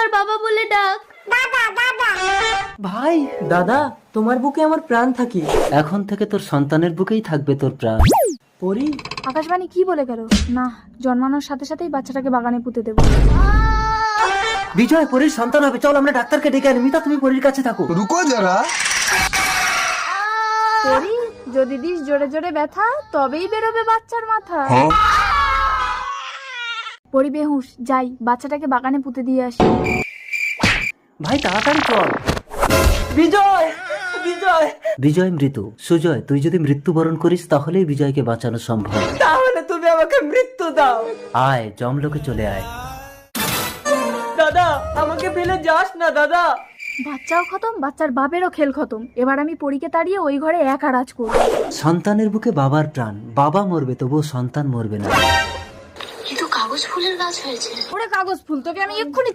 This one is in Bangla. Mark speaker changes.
Speaker 1: একবার বাবা বলে ডাক।
Speaker 2: ভাই, দাদা, তোমার বুকে আমার প্রাণ থাকে।
Speaker 3: এখন থেকে তোর সন্তানের বুকেই থাকবে তোর প্রাণ।
Speaker 2: পরি,
Speaker 4: আকাশবাণী কি বলে গেল? না, জন্মানোর সাথে সাথেই বাচ্চাটাকে বাগানে পুঁতে দেবো।
Speaker 3: বিজয় পরীর সন্তান হবে, চল আমরা ডাক্তারকে ডেকে আনি। মিতা, তুমি পরীর কাছে থাকো।
Speaker 5: रुको जरा।
Speaker 4: পরি, যদি দিস জোরে জোরে ব্যথা, তবেই বেরোবে বাচ্চার মাথা। পরি বেহুশ, যাই বাচ্চাটাকে বাগানে পুঁতে দিয়ে আসি।
Speaker 3: ভাই তাড়াতাড়ি চল।
Speaker 2: বিজয়, বিজয়,
Speaker 3: বিজয় মৃত। সুজয়, তুই যদি মৃত্যুবরণ করিস তাহলেই বিজয়কে বাঁচানো সম্ভব।
Speaker 2: তাহলে তুমি আমাকে মৃত্যু দাও।
Speaker 3: আয়, জমলোকে চলে আয়।
Speaker 2: দাদা, আমাকে ফেলে যাস না দাদা।
Speaker 4: বাচ্চাও খতম, বাচ্চার বাপেরও খেল খতম। এবার আমি পরীকে তাড়িয়ে ওই ঘরে একা রাজ করব।
Speaker 3: সন্তানের বুকে বাবার প্রাণ। বাবা মরবে তবুও সন্তান মরবে না।
Speaker 1: এ তো কাগজ ফুলের গাছ হয়েছে।
Speaker 4: ওরে কাগজ ফুল, তোকে আমি এক্ষুনি